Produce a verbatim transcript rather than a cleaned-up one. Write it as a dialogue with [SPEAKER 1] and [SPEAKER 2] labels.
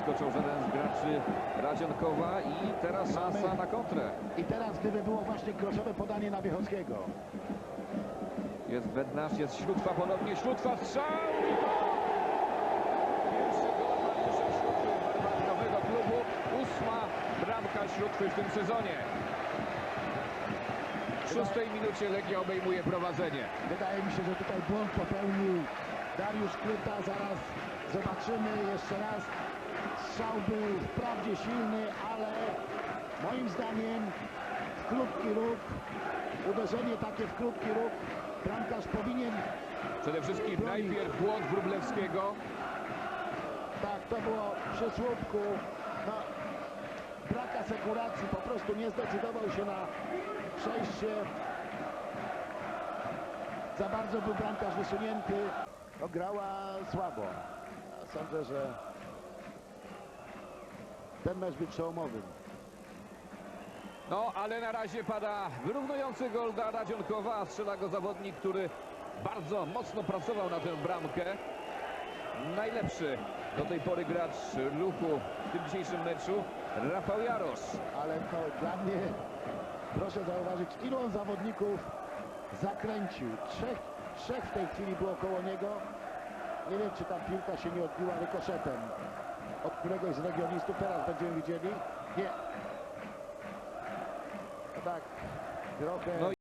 [SPEAKER 1] wyskoczył żaden z graczy Radzionkowa i teraz szansa na kontrę.
[SPEAKER 2] I teraz gdyby było właśnie kroszowe podanie na Wiechowskiego.
[SPEAKER 1] Jest Bednarz, jest Śródwa ponownie, Śródwa strzał! Pierwszy gol Mariusza Śródwy w barwach nowego klubu. Ósma bramka Śródwy w tym sezonie. W szóstej minucie Legia obejmuje prowadzenie.
[SPEAKER 2] Wydaje mi się, że tutaj błąd popełnił Dariusz Kluta. Zaraz zobaczymy jeszcze raz. Strzał był wprawdzie silny, ale moim zdaniem w krótki róg, uderzenie takie w krótki róg, bramkarz powinien...
[SPEAKER 1] Przede wszystkim
[SPEAKER 2] bronić.
[SPEAKER 1] najpierw błąd Wróblewskiego.
[SPEAKER 2] Tak, to było przy słupku. No, brak asekuracji, po prostu nie zdecydował się na przejście. Za bardzo był bramkarz wysunięty. No, grała słabo. Sądzę, że ten mecz był przełomowy.
[SPEAKER 1] No, ale na razie pada wyrównujący gol dla Radzionkowa, a strzela go zawodnik, który bardzo mocno pracował na tę bramkę. Najlepszy do tej pory gracz Ruchu w tym dzisiejszym meczu, Rafał Jarosz.
[SPEAKER 2] Ale to dla mnie, proszę zauważyć, ilu on zawodników zakręcił. Trzech, trzech w tej chwili było koło niego. Nie wiem, czy ta piłka się nie odbiła rykoszetem od któregoś z legionistów. Teraz będziemy widzieli. Nie. No tak, trochę...
[SPEAKER 1] No